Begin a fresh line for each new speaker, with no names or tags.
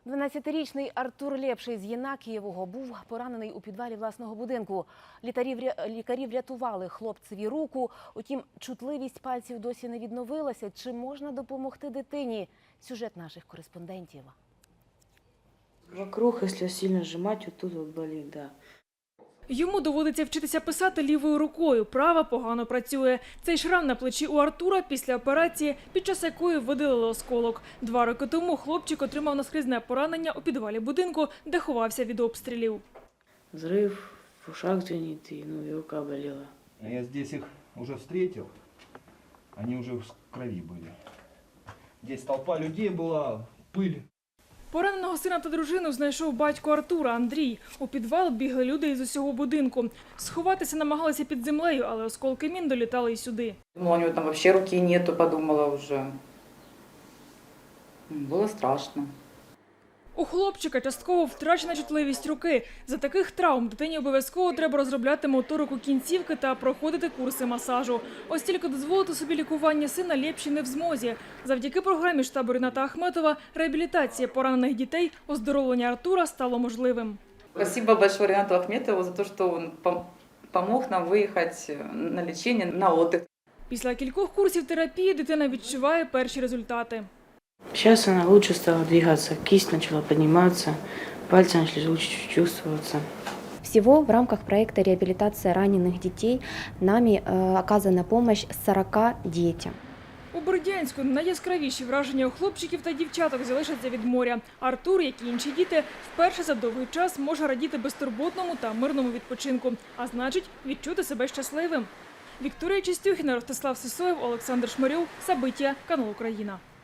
12-річний Артур Лєпший з Єнакієвого був поранений у підвалі власного будинку. Лікарі врятували хлопцеві руку, утім чутливість пальців досі не відновилася. Чи можна допомогти дитині? Сюжет наших кореспондентів.
Вокруг, якщо сильно зжимати, вот тут вот болить, да.
Йому доводиться вчитися писати лівою рукою, права погано працює. Цей шрам на плечі у Артура після операції, під час якої видалили осколок. 2 роки тому хлопчик отримав наскрізне поранення у підвалі будинку, де ховався від обстрілів.
Взрыв, в ушах звенит, и и рука болела.
Я здесь их уже встретил, они уже в крови были. Здесь толпа людей была, пыль.
Пораненого сина та дружину знайшов батько Артура, Андрій. У підвал бігли люди із усього будинку. Сховатися намагалися під землею, але осколки мін долітали і сюди.
Думала, у него там вообще руки нету, подумала уже. Было страшно.
У хлопчика частково втрачена чутливість руки. За таких травм дитині обов'язково треба розробляти моторику кінцівки та проходити курси масажу. Ось тільки дозволити собі лікування сина Лєпший не в змозі. Завдяки програмі штабу Ріната Ахметова реабілітація поранених дітей, оздоровлення Артура стало можливим.
Спасибо большое Ринату Ахметову за то, что он помог нам выехать на лечение, на отдых.
Після кількох курсів терапії дитина відчуває перші результати.
Сейчас она лучше стала двигаться, кисть начала подниматься, пальцы начали лучше чувствоваться.
Всего в рамках проекта «Реабилитация раненых детей» нами оказана помощь 40 детям.
У Бердянську найяскравіші враження у хлопчиків та дівчаток залишаться від моря. Артур, як і інші діти, вперше за довгий час може радіти безтурботному та мирному відпочинку, а значить відчути себе щасливим. Вікторія Чистюхіна, Ростислав Сисоєв, Олександр Шмирьов, Сабиття, канал Україна.